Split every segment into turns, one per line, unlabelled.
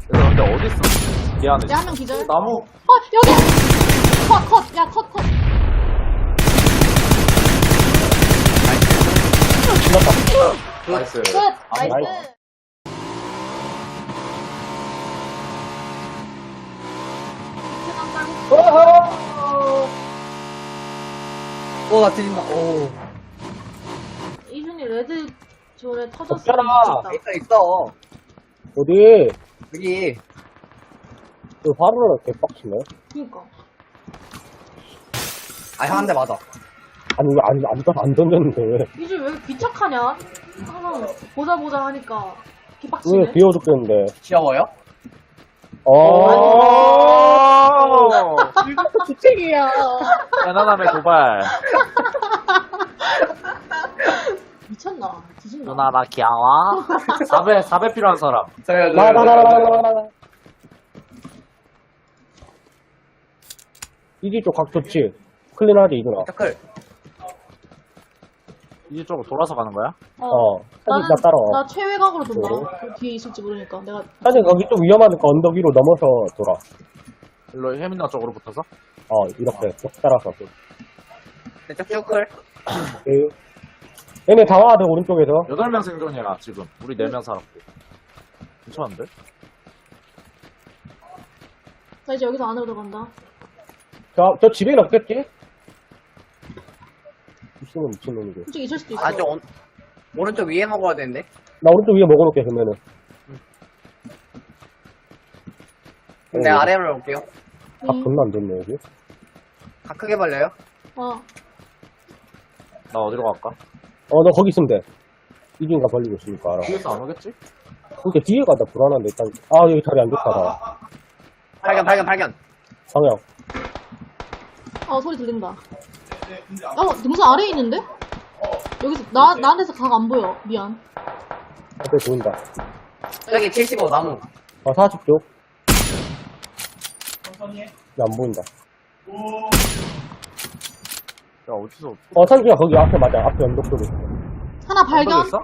근데 어디 있어? 미안해.
야, 한 명 기절.
나무.
여기! 컷! 야, 컷!
나이스.
끝! 나이스!
나 뒤진다. 오.
이준이 레드 존에 터졌어.
없잖아.
있어.
어디?
여기.
그 화로를 개빡치네.
그니까.
형 한 대 맞아.
아니, 왜 안 던졌는데, 왜?
이준 왜 이렇게 귀착하냐? 항상 보자 하니까 개빡치네.
왜 비워 죽겠는데.
귀여워요?
주책이야.
편안함의 도발.
미쳤나? 뒤진다.
누나, 나 귀여워. 4배 필요한 사람.
저요,
나나나나나나. 이지 쪽 각 좋지? 클린하지, 이누나.
태클.
이쪽으로 돌아서 가는 거야?
사진 나 따라와.
나 최외곽으로 돈다. 그 뒤에 있을지 모르니까. 내가.
사실 거기 좀 위험하니까 언덕 위로 넘어서 돌아.
일로 혜민아 쪽으로 붙어서?
이렇게 쭉 따라서.
내쪽 태클.
얘네 다 와야 돼, 오른쪽에서.
8명 생존이야, 지금. 우리 4명 살았고. 괜찮은데?
나 이제 여기서 안으로 들어간다.
저 집에는 없겠지? 미친놈이지.
솔직히 있을 수도 있어.
오른쪽 위에 먹어야 되는데.
나 오른쪽 위에 먹어놓게, 그러면은.
근데 아래로 올게요.
각 존나 안 됐네, 여기.
다 크게 벌려요?
나 어디로 갈까?
너 거기 있으면 돼. 이진가 벌리고 있으니까 알아.
뒤에서 안 오겠지?
그러니까 뒤에 가다 불안한데, 일단. 여기 자리 안 좋다, 나.
발견.
방향.
소리 들린다. 등산 아래에 있는데? 여기서, 나한테서 각 안 보여. 미안.
앞에 보인다.
저기 75 나무.
40쪽. 안 보인다.
야, 어디서?
산지가 거기 앞에 맞아. 앞에 언덕 쪽에 있어.
하나 발견.
있어?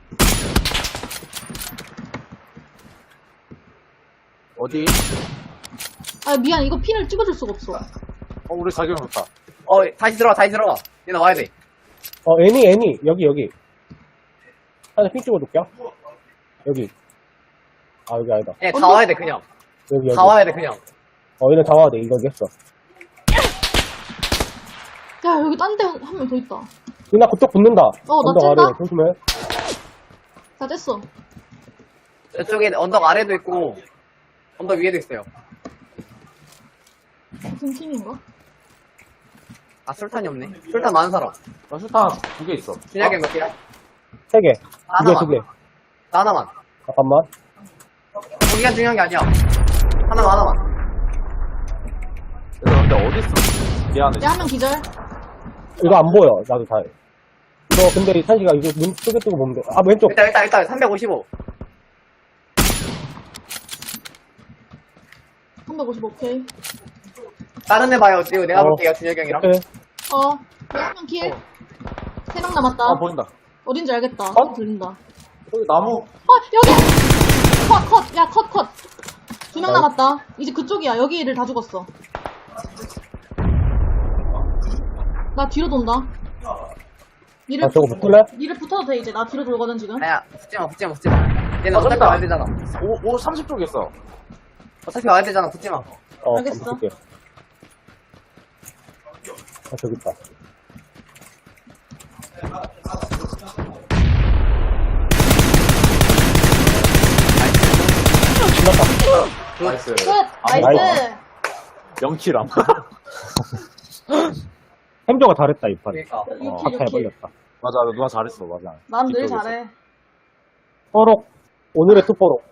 어디?
미안. 이거 핀을 찍어줄 수가 없어.
우리 자기랑 좋다.
다시 들어가. 얘나 와야 돼.
애니. 여기. 하나 핀 찍어줄게. 여기. 여기 아니다.
얘 다 와야 돼, 그냥.
여기.
다 와야 돼, 그냥.
얘네 다 와야 돼. 이거 이겼어.
야, 여기 딴 데 한 명 더 있다.
나 그쪽 붙는다.
나
언덕
찐다?
아래. 조심해.
다 뗐어.
저쪽에 언덕 아래도 있고, 언덕 위에도 있어요.
무슨 팀인가?
술탄이 없네. 술탄 많은 사람.
나 슈탄 2개 있어.
준혁이 몇 개야?
3개.
하나만.
2개, 2개.
나 하나만.
잠깐만.
거기가 중요한 게 아니야. 하나만.
근데 어디 있어? 미안해.
야, 한 명 기절.
이거 안 보여. 나도 다. 이거 근데 산지가 이거 눈 뜨고 보면 돼. 왼쪽.
일단 355.
355, 오케이.
다른 애 봐요. 내가 볼게요, 준혁이 형이랑.
오케이.
한 명 킬. 3명 남았다.
보인다.
어딘지 알겠다. 들린다.
여기 나무.
여기! 컷! 야, 컷! 2명 남았다. 이제 그쪽이야. 여기를 다 죽었어. 나 뒤로 돈다. 니를,
저거 붙을래?
니를 붙어도 돼, 이제. 나 뒤로 돌거든, 지금.
아야, 붙지마. 얘는 어차피
저기다.
와야 되잖아.
30쪽에 있어.
어차피 와야 되잖아, 붙지마.
알겠어.
붙을게. 저기 있다.
나이스.
끝!
나이스.
나이스!
0킬함.
행정가 잘했다, 이 판.
그러니까.
유키,
잘
유키.
벌렸다.
맞아, 누나 잘했어, 맞아.
난 늘
이쪽에서.
잘해.
뽀록. 오늘의 투뽀록.